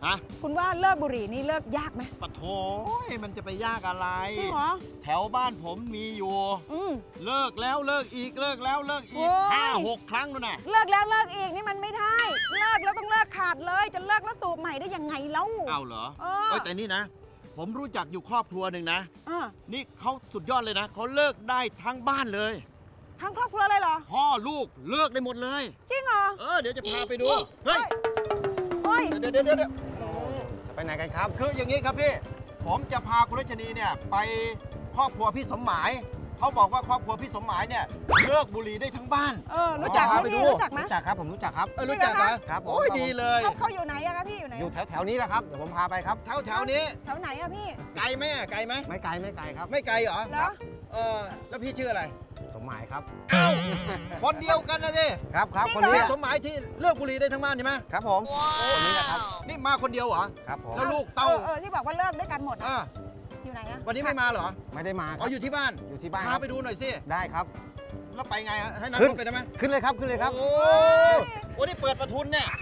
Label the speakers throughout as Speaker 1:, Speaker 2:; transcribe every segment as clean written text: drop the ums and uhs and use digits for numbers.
Speaker 1: ฮะ
Speaker 2: คุณว่าเลิกบุหรี่นี่เลิกยากไหม
Speaker 1: ปะโถมันจะไปยากอะไร
Speaker 2: จริงเหรอ
Speaker 1: แถวบ้านผมมีอยู่เลิกแล้วเลิกอีกเลิกแล้วเลิกอีก5-6 ครั้งนู่นน่ะ
Speaker 2: เลิกแล้วเลิกอีกนี่มันไม่ได้เลิกแล้วต้องเลิกขาดเลยจะเลิกแล้วสูบใหม่ได้ยังไงเล่า
Speaker 1: เอาเหรอแต่นี่นะผมรู้จักอยู่ครอบครัวหนึ่งนะนี่เขาสุดยอดเลยนะเขาเลิกได้ทั้งบ้านเลย
Speaker 2: ทั้งครอบครัวเลยเหรอ
Speaker 1: พ่อลูกเลิกได้หมดเลย
Speaker 2: จริงเหรอ
Speaker 1: เดี๋ยวจะพาไปดูเฮ้ยเดี๋ยว
Speaker 3: ไปไหนกันครับ
Speaker 1: คืออย่างนี้ครับพี่ผมจะพาคุณรัชนีเนี่ยไปครอบครัวพี่สมหมายเขาบอกว่าครอบครัวพี่สมหมายเนี่ยเลิกบุหรี่ได้ทั้งบ้าน
Speaker 2: รู้จักไหมพี่รู้จักไหม
Speaker 3: รู้จักครับผมรู้จักครับ
Speaker 1: รู้จัก
Speaker 3: ครับ
Speaker 1: โอ้ยดีเลย
Speaker 2: เขาอยู่ไหนอะครับพี่อยู่ไหน
Speaker 3: อยู่แถวนี้แหละครับเดี๋ยวผมพาไปครับ
Speaker 1: แถวนี้
Speaker 2: แถวไหนอะพี่
Speaker 1: ไกลไหม
Speaker 3: ไม่ไกลครับ
Speaker 1: ไม่ไกลเหรอแล้วพี่ชื่ออะไร
Speaker 3: สมหมายครับ
Speaker 1: คนเดียวกันนะสิ
Speaker 3: ครับคนนี้
Speaker 1: สมหมายที่เลิกบุหรี่ได้ทั้งบ้านใช่ไหม
Speaker 3: ครับผมคนนี้แหละครับ
Speaker 1: นี่มาคนเดียวเหรอ
Speaker 3: ครับผม
Speaker 1: แล้วลูกเต้า
Speaker 2: ที่บอกว่าเลิกด้วยกันหมดอยู่ไหนอะ
Speaker 1: วันนี้ไม่มาเหรอ
Speaker 3: ไม่ได้มา
Speaker 1: อยู่ที่บ้านพาไปดูหน่อยสิ
Speaker 3: ได้ครับ
Speaker 1: แล้วไปไงให้นั่งรถไปได้ไหม
Speaker 3: ขึ้นเลยครับ
Speaker 1: โอ้นี่เปิดประทุนเนี่ย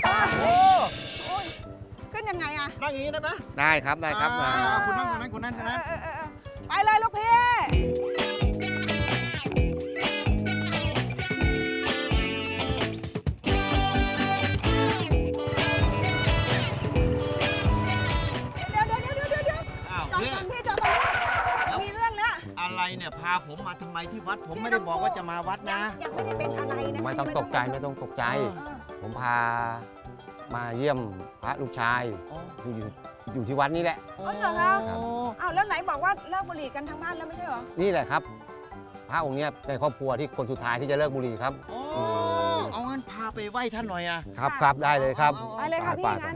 Speaker 2: ขึ้นยังไงอะ
Speaker 1: นั่งอย่างนี้ได้ไหม
Speaker 3: ได้ครับ
Speaker 1: คุณนั่งตรงนั้น
Speaker 2: ไปเลยลูกพี่
Speaker 1: อะไรเนี่ยพาผมมาทำไมที่วัดผมไม่ได้บอกว่าจะมาวัดนะ
Speaker 2: ยังไม่ได้เป็นอะไรนะ
Speaker 3: ไม่ต้องตกใจผมพามาเยี่ยมพระลูกชายอยู่ที่วัดนี่แหละ
Speaker 2: เหรอครับแล้วไหนบอกว่าเลิกบุหรี่กันทั้งบ้านแล้วไม่ใช่เหรอ
Speaker 3: นี่แหละครับพระองค์เนี้ยในครอบครัวที่คนสุดท้ายที่จะเลิกบุหรี่ครับ
Speaker 1: เอางั้นพาไปไหว้ท่านหน่อย
Speaker 3: ครับได้เลยครับ
Speaker 2: ไปเลยค่ะพี่งั้น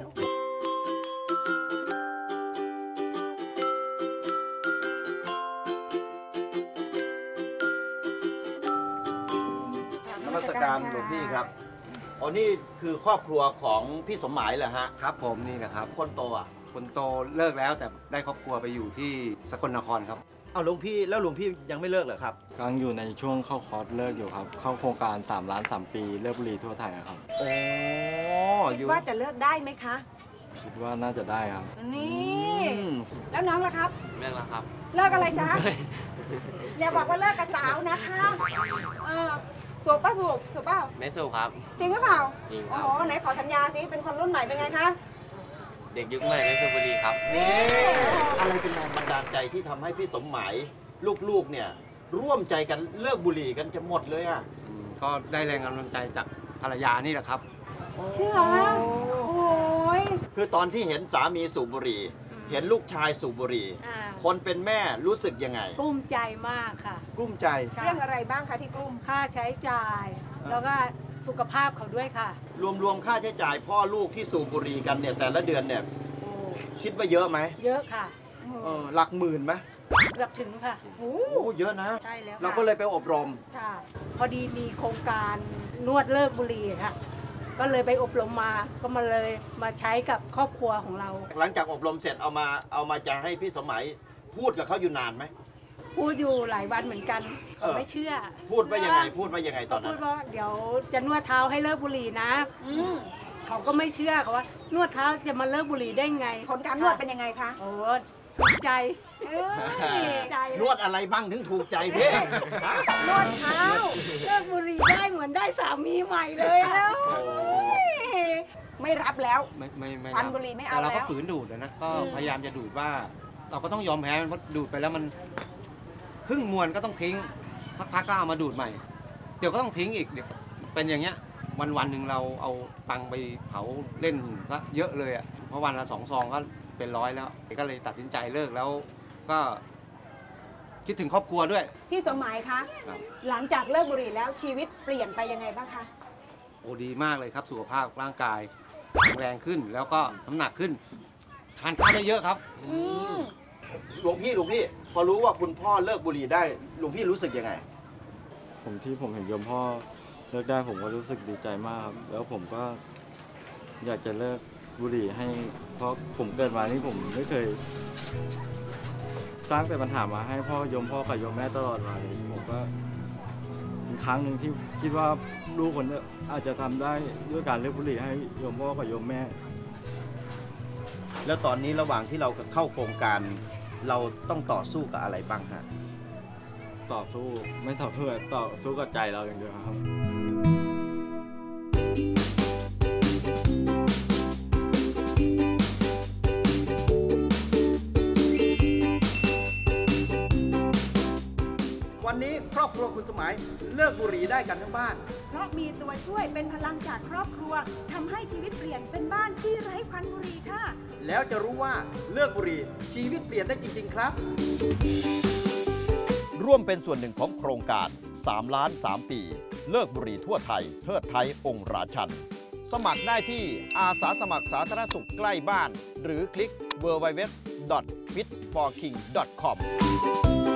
Speaker 1: การหลวงพี่ครับนี่คือครอบครัวของพี่สมหมายเหรอฮะ
Speaker 3: ครับผมนี่นะครับ
Speaker 1: คนโต
Speaker 3: คนโตเลิกแล้วแต่ได้ครอบครัวไปอยู่ที่สกลนครครับ
Speaker 1: หลวงพี่แล้วหลวงพี่ยังไม่เลิกเหรอครับ
Speaker 4: กำลังอยู่ในช่วงเข้าคอร์สเลิกอยู่ครับเข้าโครงการ3 ล้าน 3 ปีเลิกบุหรี่ทั่วไทยครับ
Speaker 2: คิดว่าจะเลิกได้ไหมคะ
Speaker 4: คิดว่าน่าจะได้ครับ
Speaker 2: นี่แล้วน้องล่ะครับ
Speaker 5: เลิกแล้วครับ
Speaker 2: เลิกอะไรจ๊ะอย่าบอกว่าเลิกกับสาวนะคะสูบป่ะสูบเปล่า
Speaker 5: ไม่สูบครับ
Speaker 2: จริงหรือเปล่า
Speaker 5: จริงครับ
Speaker 2: ไหนขอสัญญาสิเป็นคนรุ่นใหม่เป็นไงคะ
Speaker 5: เด็กยุคใหม่ไม่สูบบุหรี่ครับ
Speaker 1: นี่อะไรเป็นแรงบันดาลใจที่ทำให้พี่สมหมายลูกๆเนี่ยร่วมใจกันเลิกบุหรี่กันจะหมดเลย
Speaker 3: ก็ได้แรงกำลังใจจากภรรยานี่แหละครับ
Speaker 2: จริงเหรอโอ้ย
Speaker 1: คือตอนที่เห็นสามีสูบบุหรี่เห็นลูกชายสูบบุหรี่คนเป็นแม่รู้สึกยังไง
Speaker 6: กลุ้มใจมากค่ะ
Speaker 1: กลุ้มใจ
Speaker 2: เรื่องอะไรบ้างคะที่กลุ้ม
Speaker 6: ค่าใช้จ่ายแล้วก็สุขภาพเขาด้วยค่ะ
Speaker 1: รวมค่าใช้จ่ายพ่อลูกที่สูบบุหรี่กันเนี่ยแต่ละเดือนเนี่ยคิดว่าเยอะไหม
Speaker 6: เยอะค่ะ
Speaker 1: หลักหมื่นไหม
Speaker 6: เกือบถึงค่ะ
Speaker 1: โอ้เยอะนะ
Speaker 6: ใช่แล้ว
Speaker 1: เราก็เลยไปอบรม
Speaker 6: ค่ะพอดีมีโครงการนวดเลิกบุหรี่ค่ะก็เลยไปอบรมมาก็มาใช้กับครอบครัวของเรา
Speaker 1: หลังจากอบรมเสร็จเอามาจะให้พี่สมัยพูดกับเขาอยู่นานไหม
Speaker 6: พูดอยู่หลายวันเหมือนกันไม่เชื่อ
Speaker 1: พูดว่ายังไงตอนนั้น
Speaker 6: พูดว่าเดี๋ยวจะนวดเท้าให้เลิกบุหรี่นะเขาก็ไม่เชื่อเขาว่านวดเท้าจะมาเลิกบุหรี่ได้ไง
Speaker 2: ผลการนวดเป็นยังไงคะ
Speaker 6: โอ้ถูกใจ
Speaker 1: นวดอะไรบ้างถึงถูกใจพี่
Speaker 2: นวดเท้า
Speaker 6: เลิกบุหรี่ได้เหมือนได้สามีใหม่เลย
Speaker 2: ไม่รับแล้ว
Speaker 3: ไม่
Speaker 2: ฟันบุหรี่ไม่เอาแล้ว
Speaker 3: เราก็ฝืนดูดนะก็พยายามจะดูดว่าเราก็ต้องยอมแพ้มันเพราะดูดไปแล้วมันครึ่งมวนก็ต้องทิ้งสักพักก็เอามาดูดใหม่เดี๋ยวก็ต้องทิ้งอีกเดี๋ยวเป็นอย่างเงี้ยวันหนึ่งเราเอาตังไปเผาเล่นซะเยอะเลยอ่ะเพราะวันละ2 ซองก็เป็น100แล้วก็เลยตัดสินใจเลิกแล้วก็คิดถึงครอบครัวด้วย
Speaker 2: พี่สมหมายคะหลังจากเลิกบุหรี่แล้วชีวิตเปลี่ยนไปยังไงบ้างคะ
Speaker 3: ดีมากเลยครับสุขภาพร่างกายแข็งแรงขึ้นแล้วก็น้ำหนักขึ้นทานข้าวได้เยอะครับ
Speaker 1: หลวงพี่พอรู้ว่าคุณพ่อเลิกบุหรี่ได้หลวงพี่รู้สึกยังไง
Speaker 4: ผมเห็นโยมพ่อเลิกได้ผมก็รู้สึกดีใจมากแล้วผมก็อยากจะเลิกบุหรี่ให้เพราะผมเกิดมานี่ผมไม่เคยสร้างแต่ปัญหามาให้พ่อกับโยมแม่ตลอดมาเลยผมก็ครั้งหนึ่งที่คิดว่าลูกคนนี้อาจจะทำได้ด้วยการเลิกบุหรี่ให้โยมพ่อกับโยมแม่
Speaker 1: แล้วตอนนี้ระหว่างที่เราเข้าโครงการ เราต้องต่อสู้กับอะไรบ้างฮะ
Speaker 4: ต่อสู้ไม่ต่อสู้ต่อสู้กับใจเราอย่างเดียวครับ
Speaker 1: วันนี้ครอบครัวคุณสมัยเลิกบุหรี่ได้กันทั้งบ้าน
Speaker 2: เพราะมีตัวช่วยเป็นพลังจากครอบครัวทำให้ชีวิตเปลี่ยนเป็นบ้านที่ไร้ควันบุหรี่ค่ะ
Speaker 1: แล้วจะรู้ว่าเลิกบุหรี่ชีวิตเปลี่ยนได้จริง ๆ ครับ ร่วมเป็นส่วนหนึ่งของโครงการ3 ล้าน 3 ปี เลิกบุหรี่ทั่วไทย เทิดไทยองค์ราชัน สมัครได้ที่อาสาสมัครสาธารณสุขใกล้บ้าน หรือคลิก www.fitforking.com